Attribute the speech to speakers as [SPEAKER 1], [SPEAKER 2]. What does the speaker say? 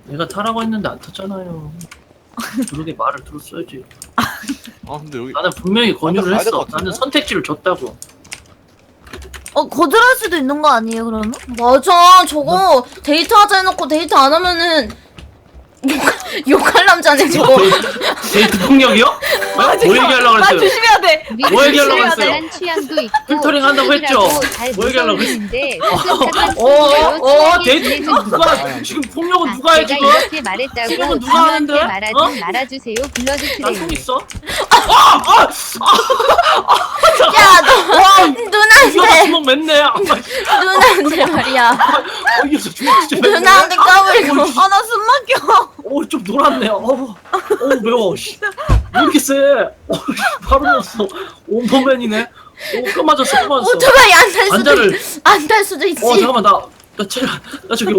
[SPEAKER 1] 내가 타라고 했는데 안 탔잖아요. 그러게 말을 들었어야지.
[SPEAKER 2] 아 근데 여기
[SPEAKER 1] 나는 분명히 권유를
[SPEAKER 2] 가야 될것
[SPEAKER 1] 했어.
[SPEAKER 2] 같은데?
[SPEAKER 1] 나는 선택지를 줬다고.
[SPEAKER 3] 거절할 수도 있는 거 아니에요, 그러면?
[SPEAKER 4] 맞아. 저거 데이트하자 해놓고 데이트 안 하면은 욕할 남자네 저거.
[SPEAKER 1] 데이트 폭력이요? 뭐 얘기하려고
[SPEAKER 4] 나
[SPEAKER 1] 그랬어요?
[SPEAKER 4] 조심해야 돼.
[SPEAKER 1] 뭐 얘기하려고 했어요?
[SPEAKER 5] 한 취향도 있고
[SPEAKER 1] 필터링 한다고 했죠? 뭐 얘기하려고
[SPEAKER 5] 했는데
[SPEAKER 1] 데이트 누가 지금 폭력은 누가 해
[SPEAKER 5] 제가
[SPEAKER 1] 지금?
[SPEAKER 5] 이렇게 말했다고
[SPEAKER 1] 폭력은 누가 하는데?
[SPEAKER 5] 말하지
[SPEAKER 1] 어?
[SPEAKER 5] 말아주세요. 블러드
[SPEAKER 1] 나 속
[SPEAKER 5] 트레이.
[SPEAKER 1] 있어?
[SPEAKER 3] 야, 너
[SPEAKER 1] 누가
[SPEAKER 3] 누나한테
[SPEAKER 1] 주먹 맸네.
[SPEAKER 3] 누나한테 말이야.
[SPEAKER 1] 이겨서 주먹 진짜 맸네.
[SPEAKER 3] 누나한테 까불고.
[SPEAKER 4] 나 숨 막혀.
[SPEAKER 1] 좀 놀았네. 매워. 씨. 왜 이렇게 세? 바로 넣었어. 온포맨이네. 끔 맞았어.
[SPEAKER 3] 오토바이 안 탈 수도
[SPEAKER 1] 안자를.
[SPEAKER 3] 안 탈 수도 있지.
[SPEAKER 1] 잠깐만 나 저기